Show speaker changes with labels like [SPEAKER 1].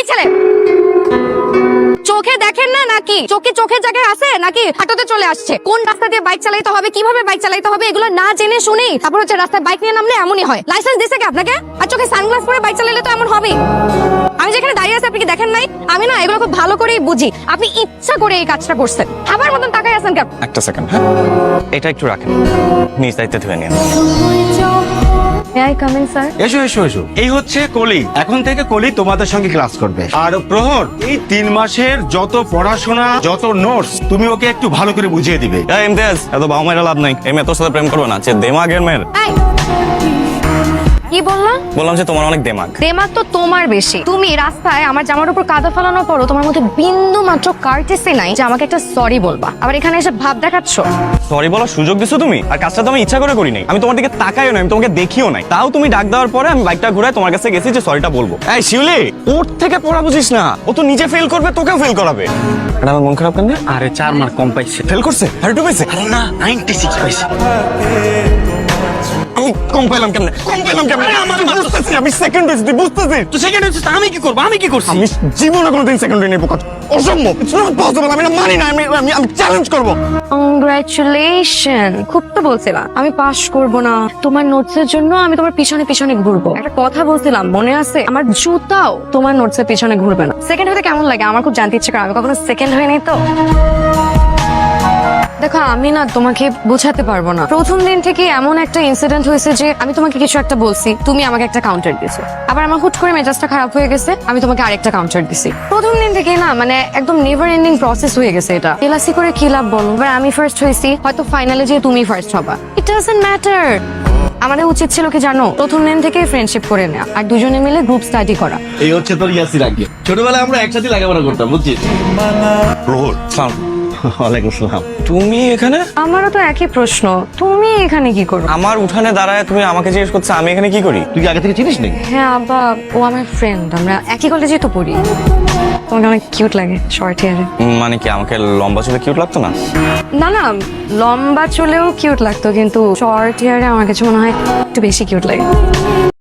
[SPEAKER 1] ছেলে চোখে দেখেন না নাকি চোখের জায়গায় আছে নাকি হাঁটতে চলে আসছে? কোন রাস্তা দিয়ে বাইক চালাতে হবে, কিভাবে বাইক চালাতে হবে এগুলো না জেনে শুনেই তারপর হচ্ছে রাস্তায় বাইক নিয়ে নামলে এমনই হয়। লাইসেন্স দিছে কি আপনাকে? আর চোখে সানগ্লাস পরে বাইক চালালে তো এমন হবেই। আমি যেখানে দাঁড়িয়ে আছি আপনি কি দেখেন নাই? আমি না এগুলো খুব ভালো করেই বুঝি। আপনি ইচ্ছা করে এই কাজটা করছেন। আমার মতন তাকাই আছেন কেন?
[SPEAKER 2] একটা সেকেন্ড, হ্যাঁ এটা একটু রাখেন, নিজ দায়িত্বে ধুয়ে নিন।
[SPEAKER 1] May I come in sir?
[SPEAKER 3] এসো এসো এসো। এই হচ্ছে কলি। এখন থেকে কলি তোমাদের সঙ্গে ক্লাস করবে। আর প্রহর, এই 3 মাসের যত পড়াশোনা, যত নোটস তুমি ওকে একটু ভালো করে বুঝিয়ে দিবে।
[SPEAKER 2] এই ইমতিয়াজ, এত বাবা মায়ের লাভ নাই। এই মেয়ে তোর সাথে প্রেম করবে না, যে দেমাগের মেয়ের।
[SPEAKER 1] এই, কি বললাম?
[SPEAKER 2] বললাম যে তোমার অনেক দেমাগ।
[SPEAKER 1] দেমাগ তো তোমার বেশি। তুমি রাস্তায় আমার জামার উপর কাদা ফেলানোর পরও তোমার মধ্যে বিন্দু মাত্র কার্টেসি নাই যে আমাকে একটা সরি বলবা। আবার এখানে এসে ভাব দেখাচ্ছ।
[SPEAKER 2] সরি বলার সুযোগ দিছো তুমি, আর কাজটা তো আমি ইচ্ছা করে করি নাই। আমি তোমার দিকে তাকাইও না, আমি তোমাকে দেখিও নাই। তাও তুমি ডাক দেওয়ার পরে আমি বাইকটা ঘুরায় তোমার কাছে গেছি যে সরিটা বলবো। এই শিউলি, ওর থেকে পড়া বুঝিস না। ও তো নিজে ফেল করবে, তোকেও ফেল করাবে। আর আমার মন খারাপ কেন?
[SPEAKER 3] আরে 4 মার্ক কম পাইছে।
[SPEAKER 2] ফেল করছে আর একটু পাইছে?
[SPEAKER 3] আরে না, 96 পাইছে।
[SPEAKER 2] আমি কম পেলাম কেমনে? আমি সেকেন্ড হয়েছি, তুই বুঝতেছিস?
[SPEAKER 3] তো সেকেন্ড হচ্ছে আমি কি করব? আমি কি করছি?
[SPEAKER 2] আমি জীবনে কোনোদিন সেকেন্ড হয়ে নেব, অসম্ভব। It's not possible. আমি না মানি না। আমি চ্যালেঞ্জ করব।
[SPEAKER 1] কংগ্রাচুলেশন। খুব তো বলছিলাম আমি পাস করব না, তোমার নোটসের জন্য আমি তোমার পিছনে পিছনে ঘুরবো। একটা কথা বলছিলাম মনে আছে? আমার জুতাও তোমার নোটসের পিছনে ঘুরবে না। সেকেন্ড হতে কেমন লাগে আমার খুব জানতে ইচ্ছে করে। আমি কখনো সেকেন্ড হইনি তো। দেখো আমি না তোমাকে বোঝাতে পারবো না। প্রথম দিন থেকে এমন একটা ইনসিডেন্ট হয়েছে যে আমি তোমাকে কিছু একটা বলছি, তুমি আমাকে একটা কাউন্টার দিছো। আবার আমার হুট করে মেজাজটা খারাপ হয়ে গেছে, আমি তোমাকে আরেকটা কাউন্টার দিছি। প্রথম দিন থেকে না মানে একদম নেভার এন্ডিং প্রসেস হয়ে গেছে এটা। এলাসি করে কি লাভ বলো? এবার আমি ফার্স্ট হয়েছি, হয়তো ফাইনালে যে তুমি ফার্স্ট হবা। It doesn't matter. আমাদের উচিত ছিল কি জানো? প্রথম দিন থেকে ফ্রেন্ডশিপ করে নেওয়া আর দুজনে মিলে গ্রুপ স্টাডি করা।
[SPEAKER 4] এই হচ্ছে তোর ইয়াসির আগে। ছোটবেলায় আমরা একসাথে লেখাপড়া করতাম, বুঝছিস?
[SPEAKER 2] প্রহর, সালাম।
[SPEAKER 4] ওয়ালাইকুম আসসালাম।
[SPEAKER 2] তুমি এখানে?
[SPEAKER 1] আমারও তো একই প্রশ্ন, তুমি এখানে কি করো?
[SPEAKER 2] আমার উঠানে দাঁড়ায় তুমি আমাকে জিজ্ঞেস করছো আমি এখানে কি করি?
[SPEAKER 4] তুই কি আগে থেকে চিনিস নাকি?
[SPEAKER 1] হ্যাঁ আব্বা, ও আমার ফ্রেন্ড, আমরা একই কলেজে তো পড়ি। তোমাকে অনেক কিউট লাগে শর্ট হেয়ারে।
[SPEAKER 2] মানে কি আমাকে লম্বা চুলে কিউট লাগতো না?
[SPEAKER 1] না না, লম্বা চুলেও কিউট লাগতো, কিন্তু শর্ট হেয়ারে আমার কাছে মনে হয় একটু বেশি কিউট লাগে।